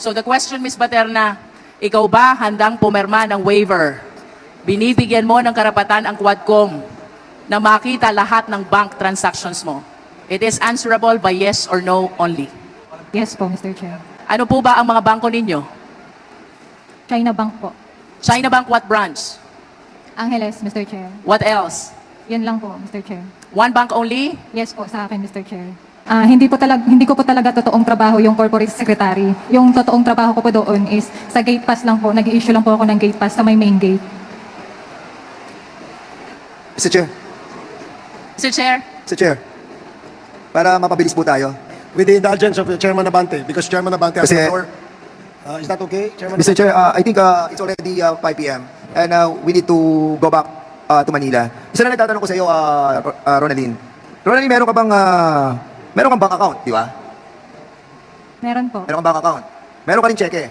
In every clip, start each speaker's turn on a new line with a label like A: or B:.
A: So the question, Ms. Baterna, ikaw ba handang pumirma ng waiver? Binibigyan mo ng karapatan ang Quadcom na makita lahat ng bank transactions mo. It is answerable by yes or no only.
B: Yes po, Mr. Chair.
A: Ano po ba ang mga bangko ninyo?
B: China Bank po.
A: China Bank, what branch?
B: Angeles, Mr. Chair.
A: What else?
B: Yun lang po, Mr. Chair.
A: One bank only?
B: Yes po sa akin, Mr. Chair. Hindi ko po talaga totoong trabaho yung corporate secretary. Yung totoong trabaho ko po doon is sa gate pass lang po. Nag-i-issue lang po ako ng gate pass sa may main gate.
C: Mr. Chair,
A: Mr. Chair,
C: Mr. Chair, para mapabilis po tayo.
D: With the indulgence of Chairman Abante, because Chairman Abante has
C: Kasi-
D: the floor. Is that okay, Chairman?
C: Mr. Chair, I think it's already 5 p.m. and we need to go back to Manila. Isa na nagtatanong ko sa iyo, Ronaldine. Ronaldine, meron kang bank account, di ba?
B: Meron po.
C: Meron kang bank account. Meron ka rin cheque.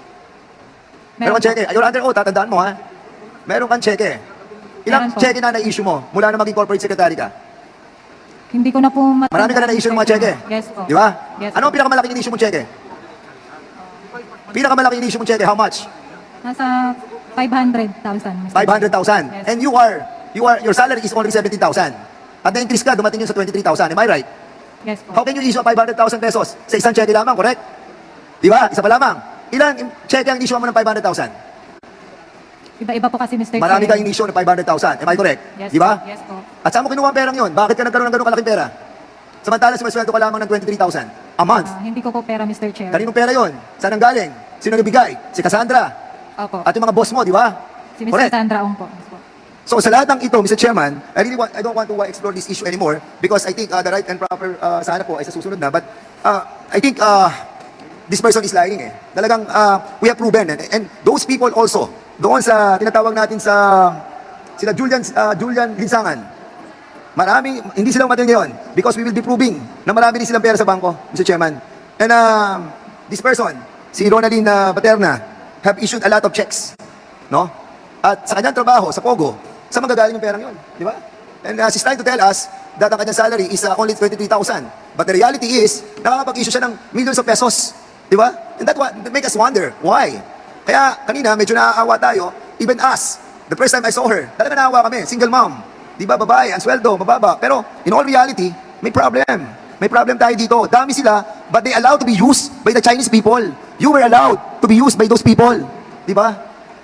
C: Meron kang cheque. You're under oath, tatandaan mo ha. Meron kang cheque. Ilang
B: Meron po.
C: cheque na na-issue mo mula na maging corporate secretary ka?
B: Hindi ko na po matandaan.
C: Marami ka na na-issue ng mga cheque.
B: Yes po.
C: Di ba?
B: Yes
C: Ano ang
B: po.
C: pinakamalaking in-issue mong cheque? Pinakamalaking in-issue mong cheque, how much?
B: Nasa 500,000, Mr.
C: 500,000.
B: Yes.
C: And your salary is only 17,000. At na-increase ka, dumating yun sa 23,000. Am I right?
B: Yes po.
C: How can you issue 500,000 pesos sa isang cheque lamang, correct? Di ba? Isa pa lamang. Ilan cheque ang issue mo ng 500,000?
B: Iba-iba po kasi, Mr.
C: Marami
B: Chair.
C: kang in-issue ng 500,000. Am I correct?
B: Yes
C: Di ba?
B: po. Yes po.
C: At saan mo kinuha ang perang yun? Bakit ka nagkaroon ng ganun kalaking pera? Samantala, sumasweldo ka lamang ng 23,000 a month.
B: Hindi ko po pera, Mr. Chair.
C: Kaninong pera yun? Saan ang galing? Sino nagbigay? Si Cassandra.
B: Opo.
C: At yung mga boss mo, di ba?
B: Si Mr.
C: Correct.
B: Sandra Ong po. Yes po.
C: So sa lahat ng ito, Mr. Chairman, I don't want to explore this issue anymore because I think the right and proper sana po ay sa susunod na. But I think this person is lying eh. Talagang we have proven. And those people also, doon sa tinatawag natin sa sila Julian Linsangan, marami, hindi sila umatil ngayon because we will be proving na marami din silang pera sa bangko, Mr. Chairman. And this person, si Ronaldine Baterna, have issued a lot of checks. No? At sa kanyang trabaho, sa Pogo, saan magagaling yung perang yun? Di ba? And she's trying to tell us that ang kanyang salary is only 23,000. But the reality is, nakakapag-issue siya ng millions of pesos. Di ba? And that make us wonder, why? Kaya kanina, medyo naaawa tayo, even us, the first time I saw her, talaga naawa kami, single mom. Di ba, babae, ang sweldo, mababa. Pero in all reality, may problem. May problem tayo dito. Dami sila, but they allowed to be used by the Chinese people. You were allowed to be used by those people. Di ba?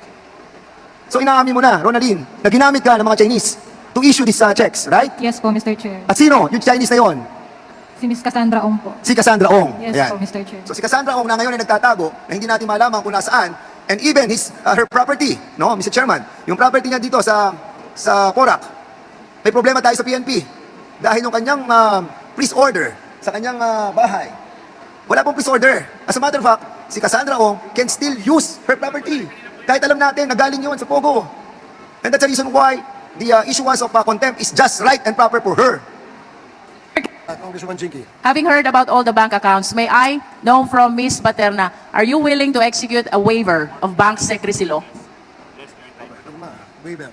C: So inaamin mo na, Ronaldine, na ginamit ka ng mga Chinese to issue these checks, right?
B: Yes po, Mr. Chair.
C: At sino? Yung Chinese na yon?
B: Si Miss Cassandra Ong po.
C: Si Cassandra Ong.
B: Yes
C: Ayan.
B: po, Mr. Chair.
C: So si Cassandra Ong na ngayon ay nagtatago na hindi natin malaman kung nasaan, and even her property, no, Mr. Chairman, yung property niya dito sa Porac, may problema tayo sa PNP dahil yung kanyang police order sa kanyang bahay. Wala pong police order. As a matter of fact, si Cassandra Ong can still use her property. Kahit alam natin na galing yun sa Pogo. And that's the reason why the issuance of contempt is just right and proper for her.
D: Congresswoman Jinky.
A: having heard about all the bank accounts, may I know from Ms. Baterna, are you willing to execute a waiver of bank secrecy law?
D: Waiver.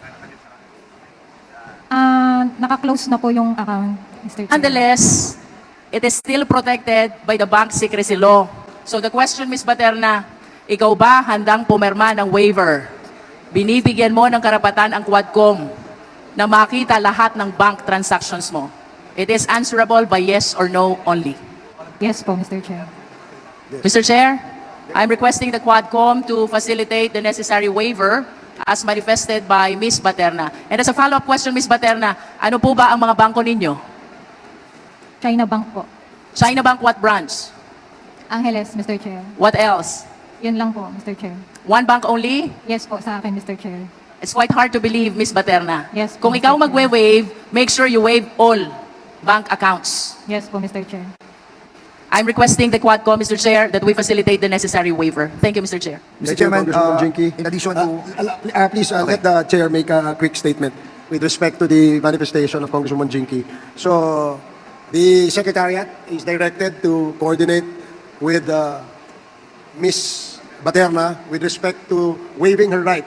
B: Naka-close na po yung account, Mr. Chair.
A: Nonetheless, it is still protected by the bank secrecy law. So the question, Ms. Baterna, ikaw ba handang pumirma ng waiver? Binibigyan mo ng karapatan ang Quadcom na makita lahat ng bank transactions mo. It is answerable by yes or no only.
B: Yes po, Mr. Chair.
A: Mr. Chair, I'm requesting the Quadcom to facilitate the necessary waiver as manifested by Ms. Baterna. And as a follow-up question, Ms. Baterna, ano po ba ang mga bangko ninyo?
B: China Bank po.
A: China Bank, what branch?
B: Angeles, Mr. Chair.
A: What else?
B: Yun lang po, Mr. Chair.
A: One bank only?
B: Yes po sa akin, Mr. Chair.
A: It's quite hard to believe, Ms. Baterna.
B: Yes,
A: Kung
B: Mr.
A: ikaw
B: Chair.
A: magwe-waive, make sure you waive all bank accounts.
B: Yes po, Mr. Chair.
A: I'm requesting the Quadcom, Mr. Chair, that we facilitate the necessary waiver. Thank you, Mr. Chair.
C: Mr.
D: Thank you,
C: Chairman,
D: Congresswoman Jinky.
C: in addition to...
D: Please let the chair make a quick statement with respect to the manifestation of Congresswoman Jinky. So, the Secretariat is directed to coordinate with Ms. Baterna with respect to waiving her right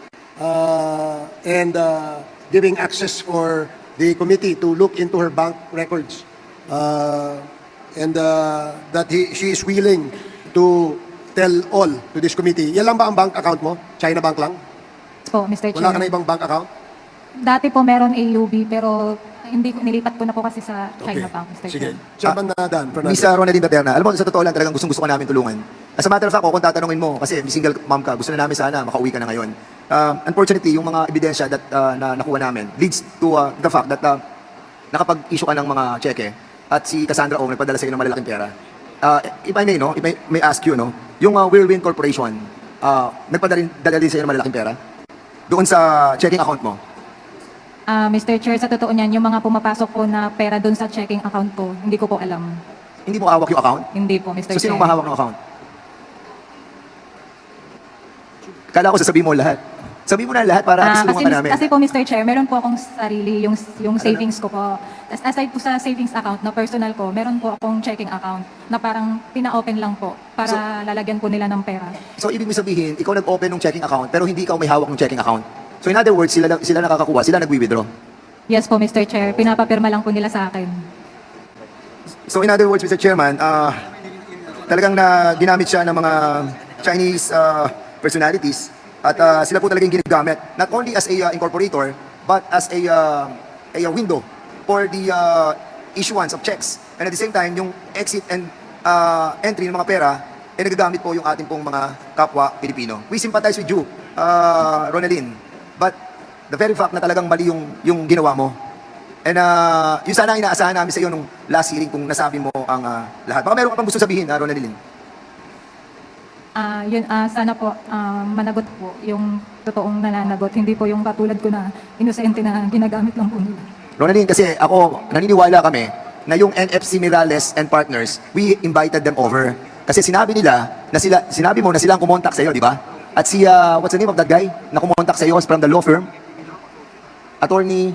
D: and giving access for the committee to look into her bank records and that she is willing to tell all to this committee, yan lang ba ang bank account mo? China Bank lang?
B: Po, Mr. Chair.
D: Wala ka na ibang bank account?
B: Dati po meron AUB pero hindi nilipat ko na po kasi sa China Bank, Mr.
D: Sige.
B: Chair.
D: Chairman Dan Fernandez.
C: Miss Ronaldine Baterna, alam mo, sa totoo lang talagang gustong-gusto ka namin tulungan. As a matter of fact, kung tatanungin mo, kasi single mom ka, gusto na namin sana makauwi ka na ngayon. Unfortunately, yung mga ebidensya that, na nakuha namin leads to the fact that nakapag-issue ka ng mga cheque at si Cassandra Ong nagpadala sa iyo ng malalaking pera. If I may, no, if I may ask you, no, yung Whirlwind Corporation, nagpadala din sa iyo ng malalaking pera doon sa checking account mo.
B: Mr. Chair, sa totoo niyan, yung mga pumapasok po na pera doon sa checking account ko, hindi ko po alam.
C: Hindi mo hawak yung account?
B: Hindi po, Mr.
C: So,
B: Chair.
C: sinong mahawak ng account? Kala ko sasabihin mo lahat. Sabihin mo na lahat para at least tulungan ka namin.
B: Kasi po, Mr. Chair, meron po akong sarili, yung savings ko po. Aside po sa savings account na personal ko, meron po akong checking account na parang pina-open lang po para lalagyan po nila ng pera.
C: So, ibig mo sabihin, ikaw nag-open ng checking account pero hindi ikaw may hawak ng checking account. So, in other words, sila nakakakuha, sila nagwi-withdraw.
B: Yes po, Mr. Chair. Pinapapirma lang po nila sa akin.
C: So, in other words, Mr. Chairman, talagang na ginamit siya ng mga Chinese personalities at sila po talagang ginagamit not only as a incorporator but as a window for the issuance of checks. And at the same time, yung exit and entry ng mga pera ay nagagamit po yung ating pong mga kapwa Pilipino. We sympathize with you, Ronaldine, but the very fact na talagang mali yung ginawa mo. And yun sana ang inaasahan namin sa iyo nung last hearing kung nasabi mo ang lahat. Baka meron ka pang gusto sabihin, Ronaldine.
B: Sana po managot po yung totoong nananagot. Hindi po yung katulad ko na inosente na ginagamit lang po nila.
C: Ronaldine, kasi ako, naniniwala kami na yung NFC Mirales and Partners, we invited them over. Kasi sinabi nila, sinabi mo na sila ang kumontak sa iyo, di ba? At si, what's the name of that guy na kumontak sa iyo from the law firm? Attorney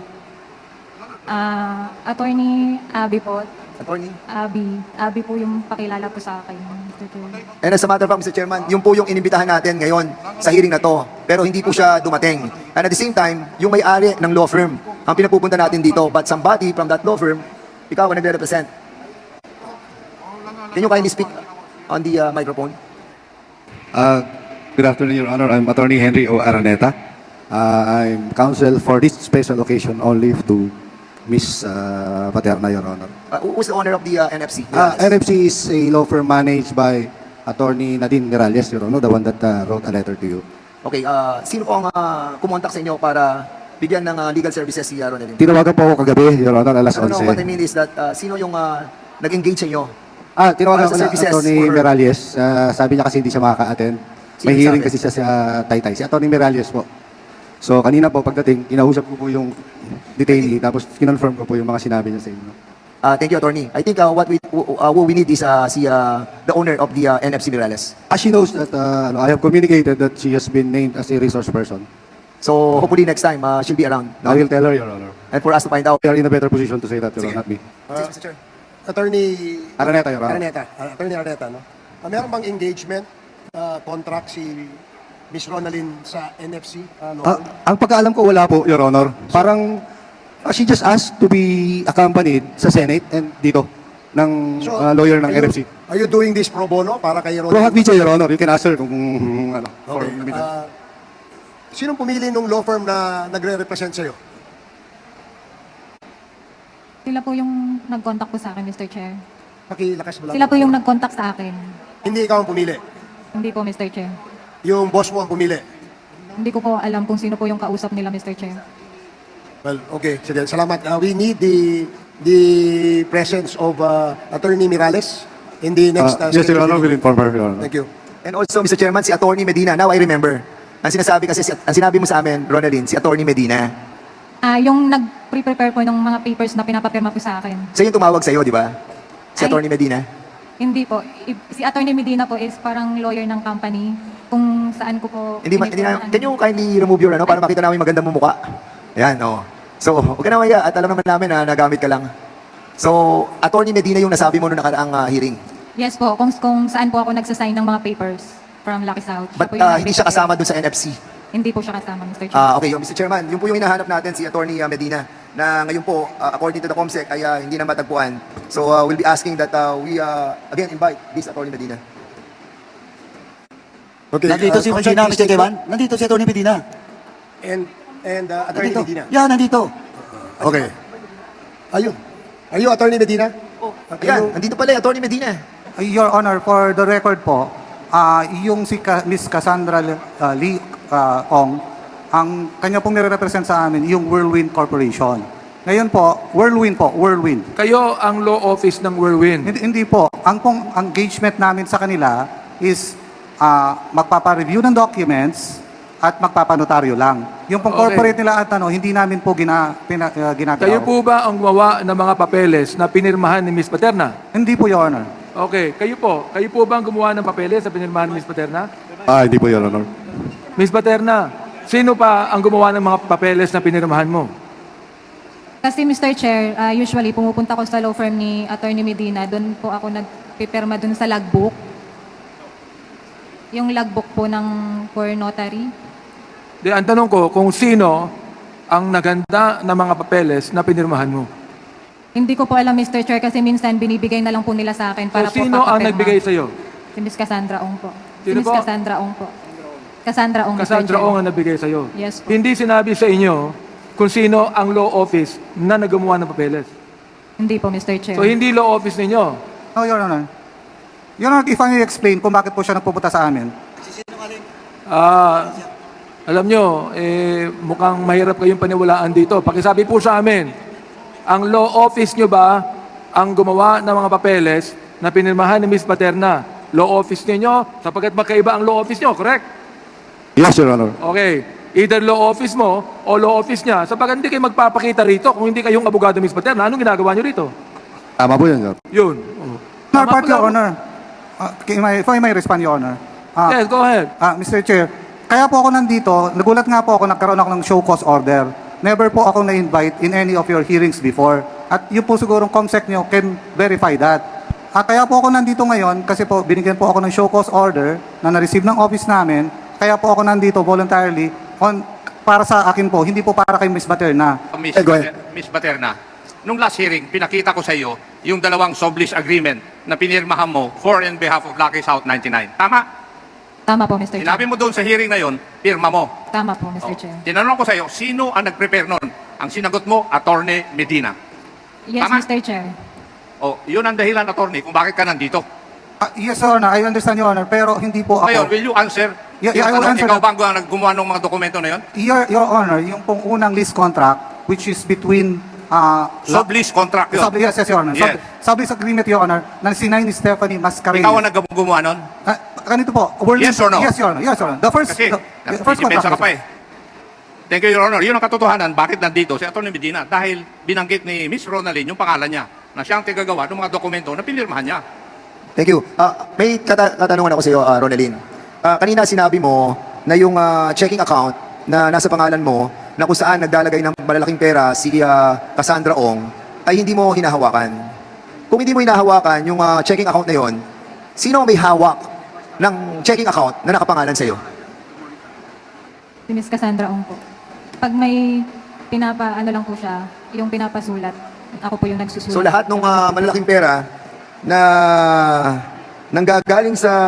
B: Abby po.
C: Attorney?
B: Abby po yung pakilala po sa akin. Mr. Chair.
C: And as a matter of fact, Mr. Chairman, yun po yung inimbitahan natin ngayon sa hearing na to. Pero hindi po siya dumating. And at the same time, yung may-ari ng law firm, ang pinapupunta natin dito. But somebody from that law firm, ikaw ang nagre-represent. Can you kindly speak on the microphone?
E: Good afternoon, Your Honor. I'm Attorney Henry O. Araneta. I'm counsel for this special occasion only to Miss Paterna, Your Honor.
C: Who's the owner of the NFC?
E: NFC is a law firm managed by Attorney Nadine Miralles, Your Honor, the one that wrote a letter to you.
C: Okay, sino po ang kumontak sa inyo para bigyan ng legal services si Ronaldine?
E: Tinawagan po ako kagabi, Your Honor, alas
C: No, what I
E: 11.
C: mean is that sino yung nag-engage sa inyo?
E: Tinawagan
C: Para sa
E: ko na
C: services
E: Attorney
C: for-
E: Miralles. Sabi niya kasi hindi siya makaka-attend.
C: Sino
E: May hearing
C: sabi?
E: kasi siya sa Taytay. Si Attorney Miralles po. So kanina po pagdating, kinausap ko po yung detainee, tapos kinonfirm ko po yung mga sinabi niya sa inyo.
C: Thank you, Attorney. I think what we need is the owner of the NFC Mirales.
E: She knows that I have communicated that she has been named as a resource person.
C: So hopefully next time she'll be around.
E: I will tell her, Your Honor.
C: And for us to find out.
E: We are in a better position to say that, Your
C: Sige.
E: Honor, not me.
C: Mr. Chair.
D: Attorney
E: Araneta, Your Honor.
D: Attorney Araneta, no? Meron bang engagement contract si Miss Ronaldine sa NFC?
E: Ang pagkaalam ko, wala po, Your Honor. Parang she just asked to be accompanied sa Senate and dito ng lawyer ng NFC.
D: Are you doing this pro bono para kay
E: Pro
D: Ronaldine?
E: Hac Your Honor. You can ask her kung ano. for-
D: Okay. Sinong pumili nung law firm na nagre-represent sa'yo?
B: Sila po yung nag-contact po sa akin, Mr. Chair.
D: Pakilakas mo lang.
B: Sila po yung nag-contact sa akin.
D: Hindi ikaw ang pumili.
B: Hindi po, Mr. Chair.
D: Yung boss mo ang pumili.
B: Hindi ko po alam kung sino po yung kausap nila, Mr. Chair.
D: Well, okay. Sige, salamat. We need the presence of Attorney Mirales in the next...
E: Yes, Your Honor. Will inform her, Your Honor.
D: Thank you.
C: And also, Mr. Chairman, si Attorney Medina. Now I remember. Ang sinasabi kasi, ang sinabi mo sa amin, Ronaldine, si Attorney Medina.
B: Yung nag-prepare po ng mga papers na pinapapirma po sa akin.
C: Siya yung tumawag sa iyo, di ba? Si
B: Ay.
C: Attorney Medina.
B: Hindi po. Si Attorney Medina po is parang lawyer ng company kung saan ko po...
C: Hindi na, can you kindly remove your para makita namin magandang mumukha? Ayan, oh. So, huwag ka na maya at alam naman namin na nagamit ka lang. So, Attorney Medina yung nasabi mo noong nakaraang hearing.
B: Yes po, kung saan po ako nagsasign ng mga papers from Lucky South. Siya
C: But
B: po yung
C: hindi siya
B: nag-prepare.
C: kasama dun sa NFC.
B: Hindi po siya kasama, Mr. Chair.
C: Okay, yung Mr. Chairman, yun po yung hinahanap natin si Attorney Medina na ngayon po, according to the COMSEC, ay hindi na matagpuan. So, we'll be asking that we again invite this Attorney Medina.
D: Okay,
F: Nandito si
D: Consul,
F: Medina,
D: please
F: Mr.
D: take
F: Kevan. Nandito si Atty. Medina.
D: And Attorney
F: Nandito.
D: Medina.
F: Yeah, nandito.
D: Okay. Are you Attorney Medina?
C: Ayan, nandito pala yung Attorney Medina.
G: Your Honor, for the record po, yung si Miss Cassandra Lee Ong, ang kanya pong nire-represent sa amin, yung Whirlwind Corporation. Ngayon po, Whirlwind.
H: Kayo ang law office ng Whirlwind.
G: Hindi po. Ang pong engagement namin sa kanila is magpapa-review ng documents at magpapanotaryo lang. Yung pong
H: Okay.
G: corporate nila at hindi namin po ginagawa.
H: Kayo po ba ang gumawa ng mga papeles na pinirmahan ni Miss Paterna?
G: Hindi po, Your Honor.
H: Okay, kayo po ba ang gumawa ng papeles na pinirmahan ni Miss Paterna?
E: Hindi po, Your Honor.
H: Miss Paterna, sino pa ang gumawa ng mga papeles na pinirmahan mo?
B: Kasi Mr. Chair, usually pumupunta ko sa law firm ni Attorney Medina, doon po ako nagpipirma doon sa logbook. Yung logbook po ng for notary.
H: Ang tanong ko, kung sino ang naganda ng mga papeles na pinirmahan mo?
B: Hindi ko po alam, Mr. Chair, kasi minsan binibigay na lang po nila sa akin para
H: So,
B: po
H: sino ang
B: papapirma.
H: nagbigay sa'yo?
B: Si Miss Cassandra Ong po. Si
H: Sino
B: Miss
H: po?
B: Cassandra Ong po. Cassandra Ong, Mr.
H: Cassandra
B: Chair.
H: Ong ang nagbigay sa'yo?
B: Yes po.
H: Hindi sinabi sa inyo kung sino ang law office na naggumawa ng papeles.
B: Hindi po, Mr. Chair.
H: So, hindi law office ninyo.
G: No, Your Honor. Your Honor, if I may explain kung bakit po siya nagpupunta sa amin.
H: Alam nyo, mukhang mahirap kayong paniwalaan dito. Pakisabi po sa amin, ang law office nyo ba ang gumawa ng mga papeles na pinirmahan ni Miss Paterna? Law office ninyo, sapagkat magkaiba ang law office nyo, correct?
E: Yes, Your Honor.
H: Okay. Either law office mo o law office niya. Sapagkat hindi kayo magpapakita rito kung hindi kayong abogado Miss Paterna. Anong ginagawa nyo rito?
E: Tama po yun, Your Honor.
H: Yun. Oh.
G: Honor,
H: Tama
G: part,
H: po
G: Your
H: lang.
G: Honor. If I may respond, Your Honor.
H: Yes, go ahead.
G: Mr. Chair, kaya po ako nandito, nagulat nga po ako, nagkaroon ako ng show cause order. Never po ako na-invite in any of your hearings before. At yun po sigurong COMSEC nyo can verify that. Kaya po ako nandito ngayon kasi po binigyan po ako ng show cause order na na-receive ng office namin. Kaya po ako nandito voluntarily para sa akin po, hindi po para kay Miss Baterna.
C: Go ahead.
I: Miss Paterna, nung last hearing, pinakita ko sa iyo yung dalawang sublease agreement na pinirmahan mo for and behalf of Lucky South 99. Tama?
B: Tama po, Mr. Chair.
I: Sinabi mo doon sa hearing na yon, pirma mo.
B: Tama po, Mr.
I: Oh.
B: Chair.
I: Tinanong ko sa iyo, sino ang nag-prepare noon? Ang sinagot mo, Attorney Medina.
B: Yes,
I: Tama.
B: Mr. Chair.
I: O, yun ang dahilan, Attorney, kung bakit ka nandito.
G: Yes, Your Honor. I understand, Your Honor. Pero hindi po
I: Ngayon,
G: ako.
I: will you answer?
G: Yeah,
I: Yung
G: I will
I: tanong,
G: answer
I: ikaw
G: that.
I: ba ang naggumawa ng mga dokumento na yon?
G: Your Honor, yung pong unang lease contract, which is between
I: Sublease contract yun.
G: Yes, Your Honor.
I: Yes.
G: Sublease agreement, Your Honor, na sinay ni Stephanie Mascareñas.
I: Ikaw ang naggumawa nun?
G: Ganito po.
I: Yes or no?
G: Yes, Your Honor. Yes, Your Honor. The first
I: Kasi,
G: first
I: nagsipensa ka
G: contract.
I: pa eh. Thank you, Your Honor. Yun ang katotohanan. Bakit nandito si Atty. Medina? Dahil binanggit ni Miss Ronaldine yung pangalan niya na siyang tigagawa ng mga dokumento na pinirmahan niya.
C: Thank you. May katanungan ako sa iyo, Ronaldine. Kanina sinabi mo na yung checking account na nasa pangalan mo, na kung saan naglalagay ng malalaking pera si Cassandra Ong, ay hindi mo hinahawakan. Kung hindi mo hinahawakan yung checking account na yon, sino ang may hawak ng checking account na nakapangalan sa iyo?
B: Si Miss Cassandra Ong po. Pag may ano lang po siya, yung pinapasulat, ako po yung nagsusulat.
C: So lahat ng malalaking pera na nanggagaling sa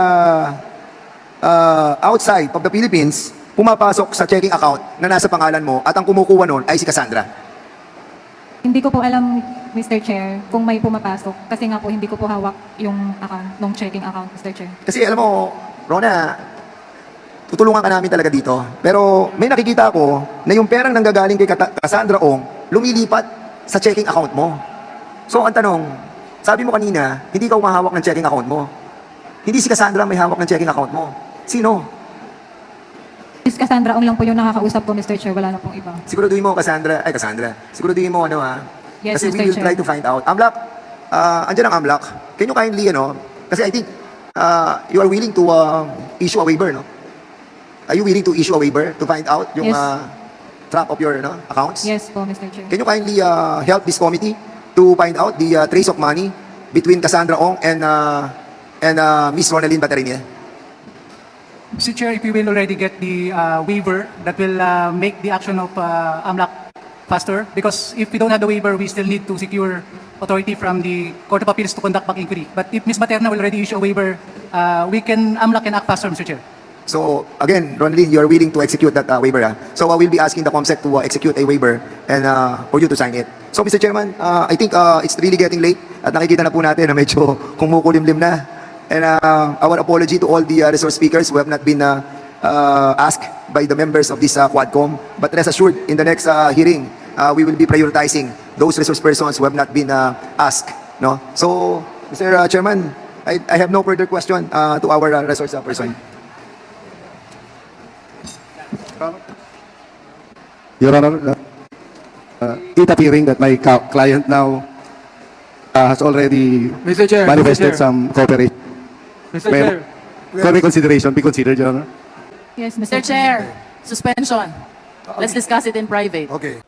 C: outside of the Philippines, pumapasok sa checking account na nasa pangalan mo at ang kumukuha nun ay si Cassandra.
B: Hindi ko po alam, Mr. Chair, kung may pumapasok. Kasi nga po, hindi ko po hawak yung account, nung checking account, Mr. Chair.
C: Kasi alam mo, Rona, tutulungan ka namin talaga dito. Pero may nakikita ako na yung perang nanggagaling kay Cassandra Ong, lumilipat sa checking account mo. So ang tanong, sabi mo kanina, hindi ka umahawak ng checking account mo. Hindi si Cassandra may hawak ng checking account mo. Sino?
B: Miss Cassandra Ong lang po yung nakakausap ko, Mr. Chair. Wala na pong iba.
C: Siguraduhin mo, Cassandra. Siguraduhin mo,
B: Yes,
C: Kasi
B: Mr.
C: we will
B: Chair.
C: try to find out. Amlak, andyan ang Amlak. Can you kindly, kasi I think you are willing to issue a waiver, no? Are you willing to issue a waiver to find out yung
B: Yes.
C: track of your accounts?
B: Yes po, Mr. Chair.
C: Can you kindly help this committee to find out the trace of money between Cassandra Ong and Miss Ronaldine Baterina?
J: Mr. Chair, if you will already get the waiver, that will make the action of AMLAC faster. Because if we don't have the waiver, we still need to secure authority from the Court of Appeals to conduct back inquiry. But if Ms. Materna will already issue a waiver, AMLAC can act faster, Mr. Chair.
C: So again, Ronaldin, you are willing to execute that waiver. So we'll be asking the COMSEC to execute a waiver and for you to sign it. So Mr. Chairman, I think it's really getting late at nakikita na po natin na medyo kumukulimlim na. And our apology to all the resource speakers who have not been asked by the members of this Quadcom. But rest assured, in the next hearing, we will be prioritizing those resource persons who have not been asked. No? So, Mr. Chairman, I have no further question to our resource person.
E: Your Honor, it appearing that my client now has already
H: Mr. Chair,
E: manifested
H: Mr. Chair.
E: some cooperation.
H: Mr.
E: May-
H: Chair,
E: For reconsideration, be considered, Your Honor.
B: Yes,
A: Mr. Chair, suspension. Let's discuss it in private.
D: Okay.